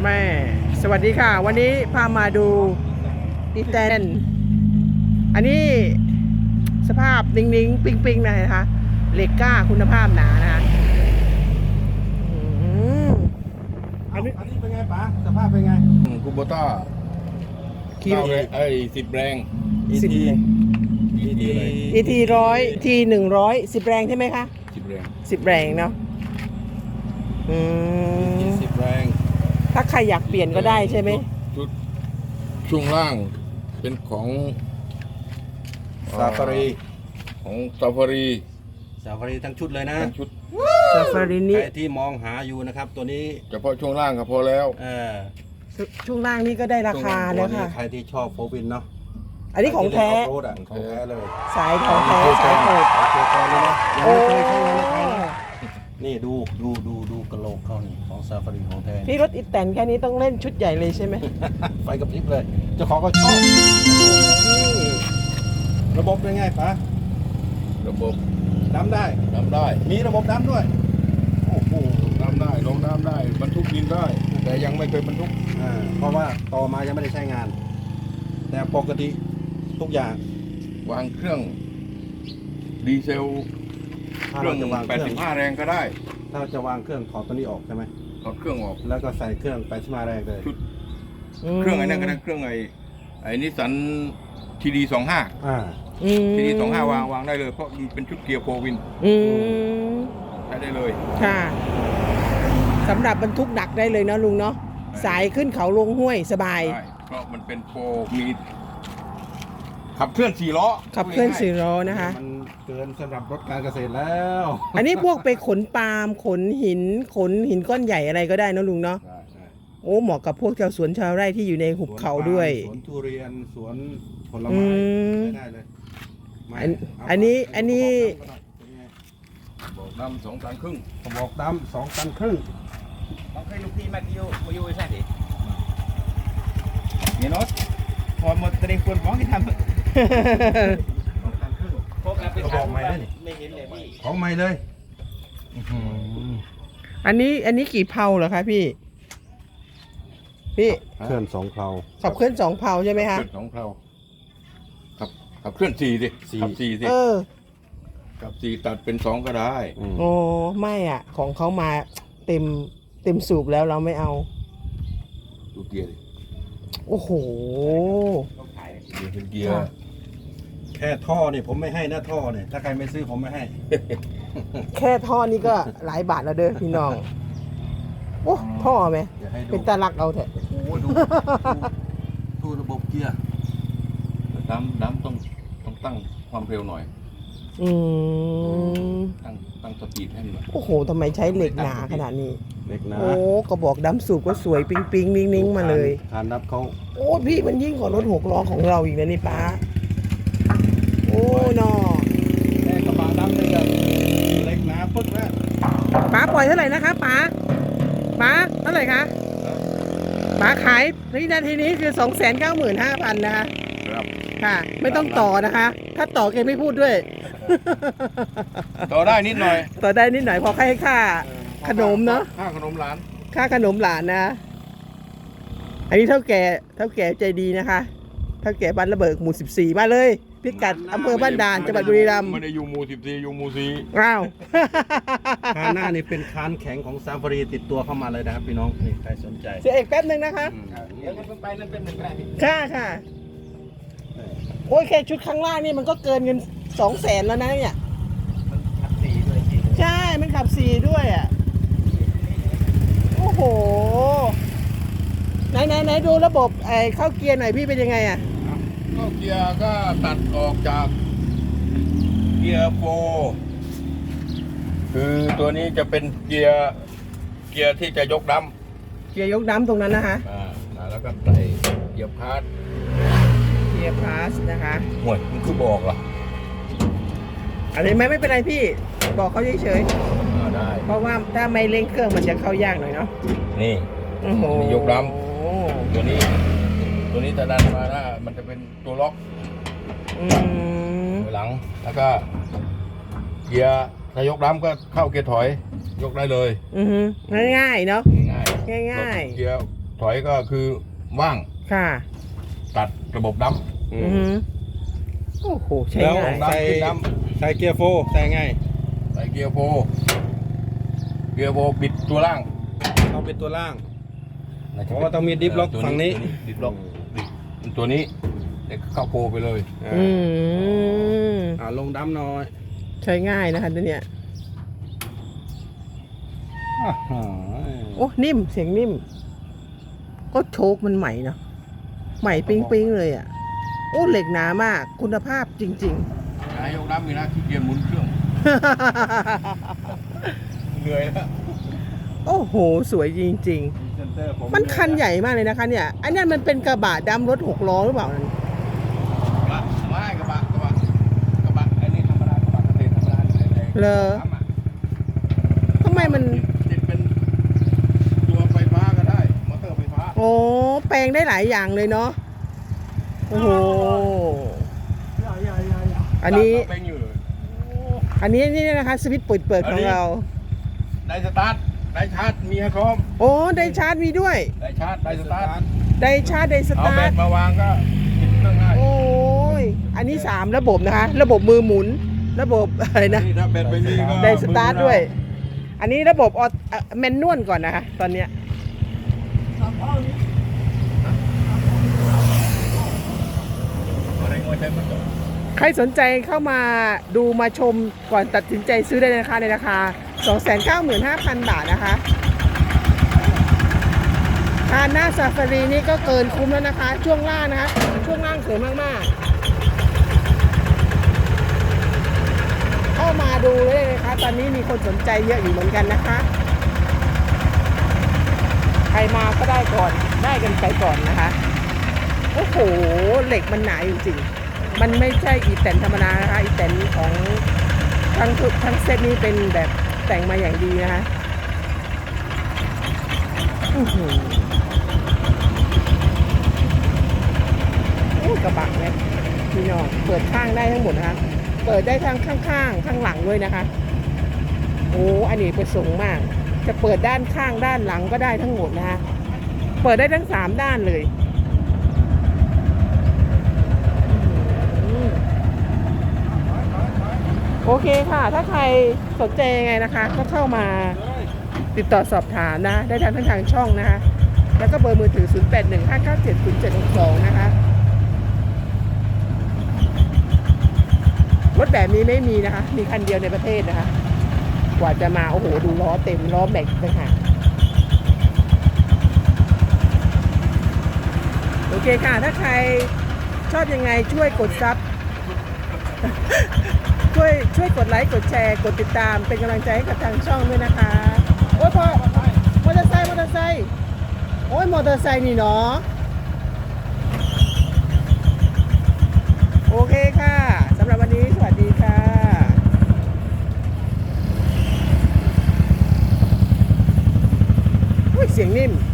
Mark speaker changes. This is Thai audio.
Speaker 1: แม่สวัสดีค่ะวันนี้พามาดูอีแตนอันนี้สภาพนิ่งๆปิงๆนะคะเหล็กกล้าคุณภาพหนานะคะ
Speaker 2: อันนี้เป็นไงป๋าสภาพเป็นไง
Speaker 3: คูโบต้า
Speaker 1: คิว
Speaker 3: 10 แรง
Speaker 1: 10 ET 100 T 100 10 แรงใช่ไหมคะ
Speaker 3: 10 แรง
Speaker 1: 10 แรงเนาะ
Speaker 3: 10 แรง
Speaker 1: ถ้าใครอยากเปลี่ยนก็ได้ใช่ไหม
Speaker 3: ชุดช่วงล่างเป็นของ
Speaker 2: ซาฟารี
Speaker 3: ของซาฟารี
Speaker 2: ทั้งชุดเลยนะ
Speaker 3: ทั้งชุด
Speaker 1: ซาฟารีนี้
Speaker 2: ใครที่มองหาอยู่นะครับตัวนี้
Speaker 3: เฉพาะช่วงล่างก็พอแล้ว
Speaker 1: ช่วงล่างนี่ก็ได้ราคาแล้วค่ะ
Speaker 2: ใครที่ชอบโฟวินเนาะ
Speaker 1: อันนี้ของแท้
Speaker 2: โรดของแท้เลย
Speaker 1: สายของแท้สายโหด
Speaker 2: ของแท้เลยนะยัง
Speaker 1: โอ้
Speaker 2: ไม่เคยใช้งานในไทยนะนี่ดูกระโหลกเขานี่ของซาฟารีของแท้
Speaker 1: พี่รถอีแตนแค่นี้ต้องเล่นชุดใหญ่เลยใช่ไหม
Speaker 2: ไฟกับพริบเลยเจ้าของก็ชอบระบบเป็นไงป๋า
Speaker 3: ระบบ
Speaker 2: ดำได้
Speaker 3: น้ำได้
Speaker 2: มีระบบดำด้วยโอ้โห
Speaker 3: น้ำได้ลงน้ำได้บรรทุกดินได้ แต่ยังไม่เคยบรรทุก
Speaker 2: เพราะว่าต่อมายังไม่ได้ใช้งาน แต่ปกติทุกอย่าง
Speaker 3: วางเครื่องดีเซลเครื่อง
Speaker 2: จะวางเครื่อง
Speaker 3: 85 แรงก็ได้
Speaker 2: ถ้าจะวางเครื่องถอดตัวนี้ออกใช่ไหม
Speaker 3: ถอดเครื่องออก
Speaker 2: แล้วก็ใส่เครื่อง85แรงเลย
Speaker 3: ชุด เครื่องไอ้นั่นก็ได้เครื่องไอ้นิสสันทีดี25ทีดี25วางได้เลยเพราะมันเป็นชุดเกียร์โฟวินใช้ได้เลย
Speaker 1: ค่ะสำหรับบรรทุกหนักได้เลยเนาะลุงเนาะสายขึ้นเขาลงห้วยสบาย
Speaker 3: ใช่เพราะมันเป็นโฟมีขับเคลื่อน4 ล้อ
Speaker 1: ขับเคลื่อน4 ล้อนะคะ
Speaker 2: มันเกินสำหรับรถการเกษตรแล้ว
Speaker 1: อันนี้พวกไปขนปาล์มขนหินก้อนใหญ่อะไรก็ได้นะลุงเนาะ
Speaker 2: ได้
Speaker 1: โอ้เหมาะกับพวกชาวสวนชาวไร่ที่อยู่ในหุบเขาด้วย
Speaker 2: สวนทุเรียนสวนผลไม้ได้เลย
Speaker 1: อันนี้
Speaker 3: บอกนำ2 ตันครึ่ง
Speaker 2: กระบอกดำ2 ตันครึ่ง
Speaker 4: Bang kay lupi mayu isa di. Minot. Kung mo telepon bang kita.
Speaker 2: 2 ตันครึ่ง
Speaker 4: Kung kapit
Speaker 2: ako may
Speaker 4: hin leพี่
Speaker 2: ของใหม่เลย
Speaker 1: อันนี้กี่เพลาเหรอคะพี่
Speaker 2: เคลื่อน2 เพลา
Speaker 1: ขับเคลื่อน2 เพลาใช่ไหมคะ
Speaker 3: เคลื่อน2 เพลาขับเคลื่อน4สิขับ4สิ ขับ4ตัดเป็น2ก็ได้
Speaker 1: โอ้ไม่อ่ะของเขามาเต็มสูบแล้วเราไม่เอา
Speaker 3: ดูเกียร์ดิ
Speaker 1: โอ้โห
Speaker 3: เกียร์เป็นเกียร์
Speaker 1: ค่ะ
Speaker 2: แค่ท่อนี่ผมไม่ให้นะท่อเนี่ยถ้าใครไม่ซื้อผมไม่ให้
Speaker 1: แค่ท่อนี้ก็หลายบาทแล้วเด้อพี่น้องโอ้ท่อไหม
Speaker 2: เดี๋ยวให้ดู
Speaker 1: เป็นตาลักเอาเถอะ
Speaker 2: โอ้โหดูระบบเกียร์
Speaker 3: ดำต้องตั้งความเร็วหน่อย ตั้งสปีดให้มันหน่อย
Speaker 1: โอ้โหทำไมใช้เหล็กหนาขนาดนี้
Speaker 2: เล็กนะ
Speaker 1: โอ้กระบอกดำสูบก็สวยปิ๊งนิ่งมาเลย
Speaker 2: คานรับเขา
Speaker 1: โอ้พี่มันยิ่งกว่ารถ6 ล้อของเราอีกนะนี่ป้าโอ้นอ
Speaker 2: แค่กระบะดำเลยอะเล็กนะปึ๊กนะ
Speaker 1: ป้าปล่อยเท่าไหร่นะคะป้าเท่าไหร่คะป้าขายวินาทีนี้คือ 295,000 นะคะ
Speaker 3: ครับ
Speaker 1: ค่ะ ไม่ต้องต่อนะคะ ถ้าต่อแกไม่พูดด้วย
Speaker 3: ต่อได้นิดหน่อย
Speaker 1: ต่อได้นิดหน่อยพอให้ค่าขนมเนาะ
Speaker 3: ค่าขนมหลาน
Speaker 1: ค่าขนมหลานนะ อันนี้เท่าแก่ใจดีนะคะเท่าแก่บ้านระเบิดหมู่14มาเลยพิกัดอำเภอบ้านด่านจังหวัดบุรีรัมย์
Speaker 3: ไม่ได้อยู่หมู่14อยู่หมู่4
Speaker 1: อ้าว
Speaker 2: คานหน้านี่เป็นคานแข็งของซาฟารีติดตัวเข้ามาเลยนะครับพี่น้องนี่ใครสนใจ
Speaker 1: เสียเอกแป๊บนึงนะคะ
Speaker 4: เดี๋ยวมันไปนั่นเป็นหนึ่งก็ได้พี่
Speaker 1: ค่ะโอ้ยแค่ชุดข้างล่างนี่มันก็เกินเงิน200,000แล้วนะเนี่ย
Speaker 4: ขับสีด้วยจริง
Speaker 1: ใช่มันขับ4ด้วยอ่ะโอ้โหไหนดูระบบเข้าเกียร์หน่อยพี่เป็นยังไงอ่ะ
Speaker 3: ก็เกียร์ก็ตัดออกจากเกียร์โฟคือตัวนี้จะเป็นเกียร์ที่จะยกด
Speaker 1: เกียร์ยกน้ำตรงนั้นนะคะ
Speaker 3: ำแล้วก็ใส่เกียร์พาร์ท
Speaker 1: เกียร์พาสนะคะ
Speaker 3: ห่วยมันคือบอกเหรอ
Speaker 1: อันนี้ไม่เป็นไรพี่บอกเขาเฉย
Speaker 3: ได้
Speaker 1: ๆเพราะว่าถ้าไม่เร่งเครื่องมันจะเข้ายากหน่อยเนาะ
Speaker 3: นี่
Speaker 1: โอ้โห
Speaker 3: นี่ยกดำตัวนี้จะดันมานะมันจะเป็นตัวล็อก
Speaker 1: อืม
Speaker 3: หลังแล้วก็เกียร์ถ้ายกดำก็เข้าเกียร์ถอยยกได้เลย
Speaker 1: ง่ายๆเนาะ
Speaker 3: ง่าย
Speaker 1: ง่ายๆ
Speaker 3: เกียร์ถถอยก็คือว่าง
Speaker 1: ค่ะ
Speaker 3: ตัดระบบดัม
Speaker 1: อือหือโอ้โหใช้
Speaker 2: แล้ว
Speaker 1: ง่าย
Speaker 2: ใส่ใส่เกียร์โฟร์ใส่ไง
Speaker 3: ใส่เกียร์โฟบิดตัวล่าง
Speaker 2: ต้องเป็นตัวล่างเพราะว่าต้องมีดิฟล็อกฝั่งนี้
Speaker 3: ดิฟล็อกตัวนี้เด็กเข้าโฟไปเลย
Speaker 1: อืม
Speaker 2: ลงดัมหน่อย
Speaker 1: ใช้ง่ายนะคะตัวเนี้ย
Speaker 2: อ่าฮะ
Speaker 1: โอ้นิ่มเสียงนิ่ม ก็โชคมันใหม่เนาะใหม่ปิ๊งๆเลยอ่ะโอ้เหล็กหนามากคุณภาพจริง
Speaker 3: นายกดัมมีนะขี้เกียจหมุนเครื่อง
Speaker 1: ๆ
Speaker 3: เหนื่อยแล้ว
Speaker 1: โอ้โห สวยจริง
Speaker 2: เซนเตอร์ผม
Speaker 1: ๆ มันคันใหญ่มากเลยนะคะเนี่ยอันนี้มันเป็นกระบะดำรถ6 ล้อหรือเปล่านั่น
Speaker 3: ไม่กระบะไอ้นี่ธรรมดากระบะเกษตรธรรมดา
Speaker 1: เลอทำไมมัน
Speaker 3: ติดเป็นตัวไฟฟ้าก็ได้มอเตอร์ไฟฟ้า
Speaker 1: โอ้แปลงได้หลายอย่างเลยเนาะโอ้โหอันนี้
Speaker 3: เป็นอยู่เลย
Speaker 1: อันนี้นี่นะคะสวิตช์เปิดของเรา
Speaker 3: ได้สตาร์ทได้ชาร์จมีให้พร้อม
Speaker 1: โอ้ได้ชาร์จมีด้วย
Speaker 3: ได้ชาร์จได้สตาร์ท
Speaker 1: ได้ชาร์จได้ส
Speaker 3: เอา
Speaker 1: ตา
Speaker 3: แบ
Speaker 1: ร์
Speaker 3: ต
Speaker 1: ท
Speaker 3: มาวางก็ติดเครื่องง่าย
Speaker 1: โอ้ยอันนี้3ระบบนะคะ ระบบมือหมุน ระบบอะไรนะ
Speaker 3: นี่ถ้าแบตไม่มีก็
Speaker 1: ได้สตาร์ทด้วย อันนี้ระบบแมนนวลก่อนนะคะ ตอนเนี้ย
Speaker 3: อะไรงอใช้มันจบ
Speaker 1: ใครสนใจเข้ามาดูมาชมก่อนตัดสินใจซื้อได้นะคะในราคา 295,000 บาทนะคะคาน่าซาฟารีนี่ก็เกินคุ้มแล้วนะคะ ช่วงล่างนะคะ ช่วงล่างสวยมากๆ เข้ามาดูเลยนะคะ ตอนนี้มีคนสนใจเยอะอยู่เหมือนกันนะคะ ใครมาก็ได้ก่อนได้กันไปก่อนนะคะโอ้โหเหล็กมันหนาจริงๆมันไม่ใช่อีแตนธรรมดานะคะอีแตนของทั้งเซตนี้เป็นแบบแต่งมาอย่างดีนะคะอื้อหือโอ้กระบะเนี่ยพี่น้องเปิดข้างได้ทั้งหมดนะคะเปิดได้ทั้งข้างๆข้างหลังด้วยนะคะโอ้อันนี้ประสงค์มากจะเปิดด้านข้างด้านหลังก็ได้ทั้งหมดนะคะเปิดได้ทั้ง3ด้านเลยโอเคค่ะ ถ้าใครสนใจยังไงนะคะ ก็เข้ามาติดต่อสอบถามนะได้ทางทางช่องนะคะแล้วก็เบอร์มือถือ 0815970762 นะคะรถแบบนี้ไม่มีนะคะมีคันเดียวในประเทศนะคะกว่าจะมาโอ้โหดูล้อเต็มล้อแม็กซ์เลยค่ะโอเคค่ะถ้าใครชอบยังไงช่วยกดซับ ช่วยกดไลค์กดแชร์กดติดตามเป็นกำลังใจให้กับทางช่องด้วยนะคะโอ้ยพอมอเตอร์ไซค์โอ้ยมอเตอร์ไซค์นี่เนาะโอเคค่ะสำหรับวันนี้สวัสดีค่ะเสียงนิ่ม